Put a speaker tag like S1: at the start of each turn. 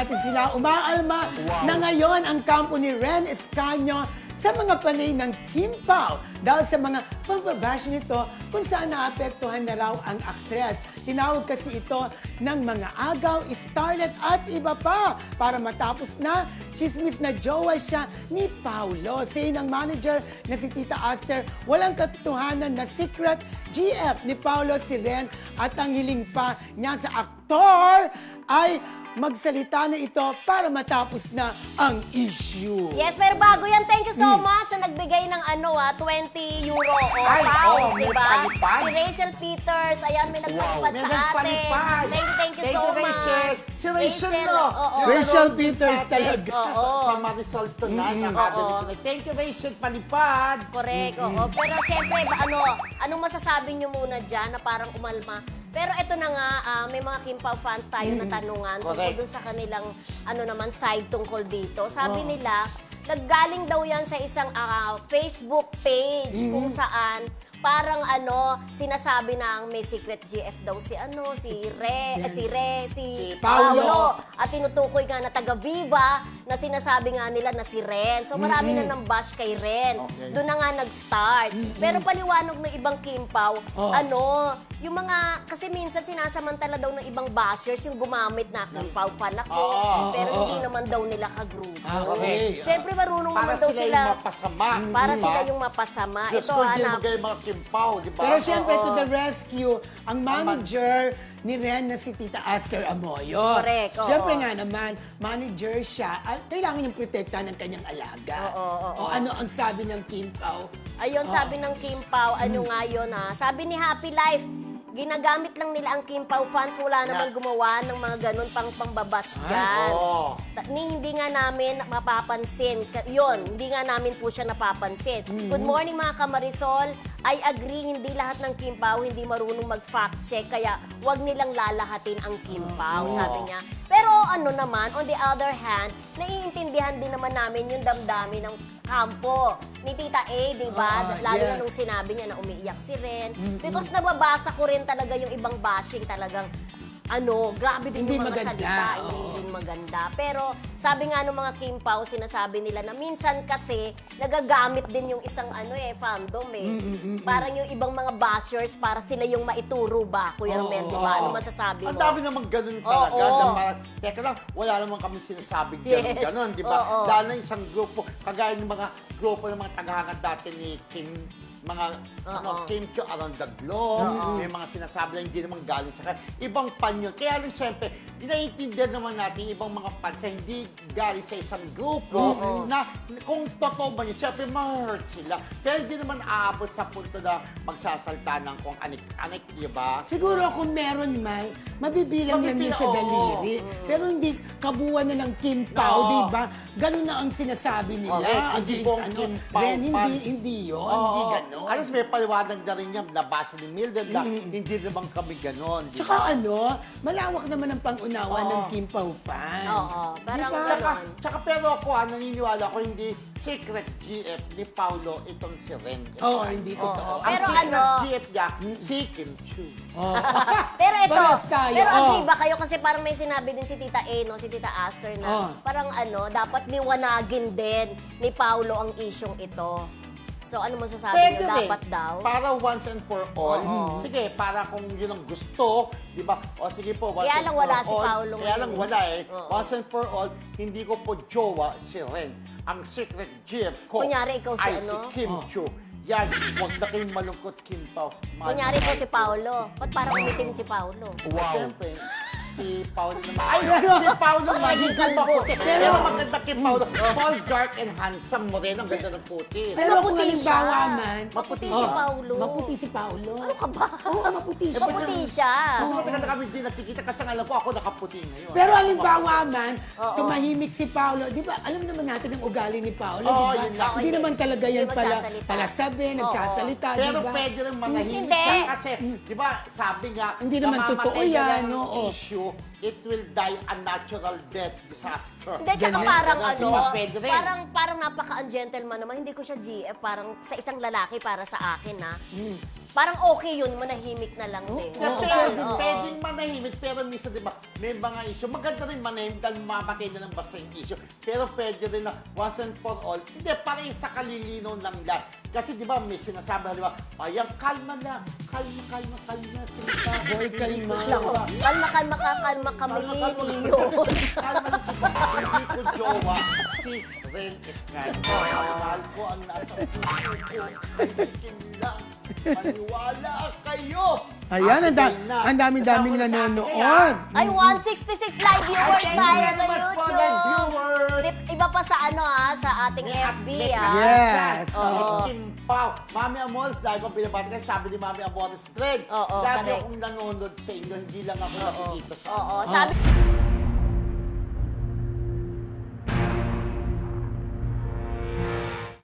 S1: natin sila. Umaalma na ngayon ang kampo ni Ren Escanio sa mga panay ng Kim Pao dahil sa mga pambabash nito kung saan naapektuhan na raw ang aktres. Tinawag kasi ito ng mga agaw, starlet at iba pa para matapos na chismis na jowa siya ni Paulo. Say ng manager na si Tita Aster, walang katotohanan na secret GF ni Paulo si Ren at ang hiling pa niya sa aktor ay magsalita na ito para matapos na ang issue.
S2: Yes, pero bago yan, thank you so much sa nagbigay ng 20 euro o pounds,
S3: may
S2: diba?
S3: palipad.
S2: Si Rachel Peters, ayan, may nagpalipad
S3: May
S2: sa atin.
S3: nagpalipad.
S2: Thank you so
S3: Rachel.
S2: much.
S3: Si Rachel, no?
S2: oo.
S1: Rachel Peters talaga.
S3: Sa Marisol Tonight, Academy Tonight. Thank you, Rachel, palipad.
S2: Correct, oo. Pero siyempre, anong masasabi nyo muna dyan na parang umalma? Pero ito na nga, may mga Kim Pao fans tayo na tanungan tungkol dun sa kanilang side tungkol dito. Sabi nila, naggaling daw yan sa isang Facebook page kung saan parang sinasabi na may secret GF daw si
S1: Paulo.
S2: Paulo. At tinutukoy nga na taga Viva na sinasabi nga nila na si Ren. So marami na nang bash kay Ren.
S3: Okay.
S2: Doon na nga nag-start. Pero paliwanag ng ibang Kim Pao, yung mga, kasi minsan sinasamantala daw ng ibang bashers yung gumamit na Kim Pao fan ako. Pero hindi naman daw nila kagrupo.
S1: Okay.
S2: Siyempre marunong
S3: Para
S2: naman daw
S3: sila
S2: sila.
S3: yung mapasama.
S2: Para
S3: diba?
S2: sila yung mapasama.
S3: Diyos
S2: Ito,
S3: ko, hindi
S2: hanap.
S3: magay mga Kim Pao, di ba?
S1: Pero syempre, to the rescue, ang manager ni Ren na si Tita Aster Amoyo.
S2: Correct, oo.
S1: Syempre nga naman, manager siya at kailangan niyang protektahan ng kanyang alaga. O ano ang sabi ng Kim Pao?
S2: Ayun, sabi ng Kim Pao, nga yun sabi ni Happy Life, ginagamit lang nila ang Kim Pao fans, wala naman gumawa ng mga ganun pang-pambabas dyan. Hindi nga namin mapapansin. Yun, hindi nga namin po siya napapansin. Good morning mga kamarisol. I agree, hindi lahat ng Kim Pao hindi marunong mag-fact check, kaya wag nilang lalahatin ang Kim Pao, sabi niya. Pero naman, on the other hand, naiintindihan din naman namin yung damdamin ng kampo ni Tita A, di ba? Lalo na nung sinabi niya na umiiyak si Ren. Because nababasa ko rin talaga yung ibang bashing talagang grabe din
S1: Hindi
S2: yung mga
S1: maganda,
S2: salita, hindi maganda. Pero sabi nga ng mga Kim Pao, sinasabi nila na minsan kasi nagagamit din yung isang fandom Parang yung ibang mga bashers para sila yung maituro ba, Kuya Romel, di ba? Ano masasabi mo?
S3: Ang dami namang ganun talaga. Na parang, teka lang, wala namang kami sinasabing ganun, di ba? Dahil na isang grupo, kagaya ng mga grupo ng mga tagahangad dati ni Kim, mga Kim Chiu around the globe, may mga sinasabi na hindi naman galing sa kanya. Ibang panyo. Kaya lang siyempre, naiintindihan naman natin ibang mga fans na hindi galing sa isang grupo na kung totoo ba yun, siyempre ma-hurt sila. Pero hindi naman aabot sa punto na magsasalta ng kung anik-anik, di ba?
S1: Siguro kung meron man, mabibilang lang yun sa daliri. Pero hindi kabuuan na ng Kim Pao, di ba? Ganun na ang sinasabi nila.
S3: Correct. Hindi
S1: Against,
S3: buong Kim Pao
S1: Ren,
S3: fans.
S1: hindi yun. Hindi ganun.
S3: Alas may paliwanag na rin niya, nabasa ni Mildred na hindi naman kami ganon. Di
S1: Tsaka
S3: ba?
S1: malawak naman ang pangunawa ng Kim Pao fans.
S2: Parang
S3: Tsaka pero ako, naniniwala ko hindi secret GF ni Paulo itong si Ren.
S1: Hindi totoo.
S3: Ang
S2: Pero
S3: secret GF niya, si Kim Chiu.
S2: Pero ito,
S1: Parehas tayo.
S2: pero agree ba kayo kasi parang may sinabi din si Tita A, si Tita Aster na parang dapat liwanagin din ni Paulo ang isyong ito. So ano masasabi
S3: Pwede
S2: niyo?
S3: rin.
S2: Dapat daw?
S3: Para once and for all. Sige, para kung yun ang gusto, di ba? O sige po, once
S2: Kaya
S3: and
S2: lang
S3: for
S2: wala
S3: all.
S2: si Paolo
S3: Kaya lang
S2: ngayon.
S3: wala Once and for all, hindi ko po jowa si Ren. Ang secret GF ko
S2: Kunyari, ikaw si
S3: ay si Kim Chiu. Yan, huwag na kayong malungkot, Kim Pao.
S2: Kunyari po si Paulo. Ba't parang umitim si Paulo?
S3: Siyempre, si Paulo naman. Ay, si Paulo magiging maputi. Pero maganda kay Paulo. Paul, dark and handsome, moreno, ang ganda ng puti.
S1: Pero kung
S2: Maputi
S1: halimbawa
S2: siya.
S1: man...
S2: Maputi si Paulo.
S1: Maputi si Paulo.
S2: Ano ka ba?
S1: Oo, maputi siya.
S2: Maputi siya.
S3: Kasi matagal na kami hindi nakikita kasi alam ko ako nakaputi ngayon.
S1: Pero halimbawa man, tumahimik si Paulo. Di ba, alam naman natin ang ugali ni Paulo, di ba?
S3: yun lang.
S1: Hindi naman talaga yan
S2: Hindi
S1: pala
S2: magsasalita.
S1: nagsasalita, di
S3: Pero
S1: ba?
S3: pwede rin manahimik
S2: Hindi.
S3: siya kasi, di ba, sabi nga,
S1: Hindi naman
S3: namamatay
S1: totoo
S3: na
S1: yan,
S3: lang ang
S1: oo.
S3: issue, it will die a natural death disaster.
S2: Hindi, tsaka
S1: Ganyan.
S2: parang
S3: Diba, pwede rin.
S2: parang napaka-ungentleman naman. Hindi ko siya GF, parang sa isang lalaki para sa akin, parang okay yun, manahimik na lang din.
S3: Na
S1: Oo,
S3: pwedeng manahimik, pero minsan, di ba, may mga issue. Maganda rin manahimik dahil mamatay na lang basta yung issue. Pero pwede rin na once and for all, hindi, parang sa kalilinaw ng lahat. Kasi di ba, may sinasabi, di ba, ayan, kalma lang. Kalma.
S1: Boy, kalma.
S2: Kalma kami, Tiyo.
S3: Kalma lang, hindi ko jowa si Ren Escanio. Mahal ko ang nasa puso ko. Ay, Kim lang. Maniwala kayo.
S1: Ayan, ang daming-daming
S3: Kasama na sa akin,
S1: nanonood.
S2: Ay, 166 live viewers
S3: Thank you
S2: tayo
S3: very
S2: sa
S3: much po, live viewers.
S2: Iba pa sa sa ating FB,
S1: Yes.
S2: Oo.
S3: Kim Pao. Mami Amores, lagi kong pinabati kasi sabi ni Mami Amores, Trend,
S2: Oo,
S3: lagi
S2: correct.
S3: akong nanonood sa inyo, hindi lang ako nakikita sa
S2: Oo, sabi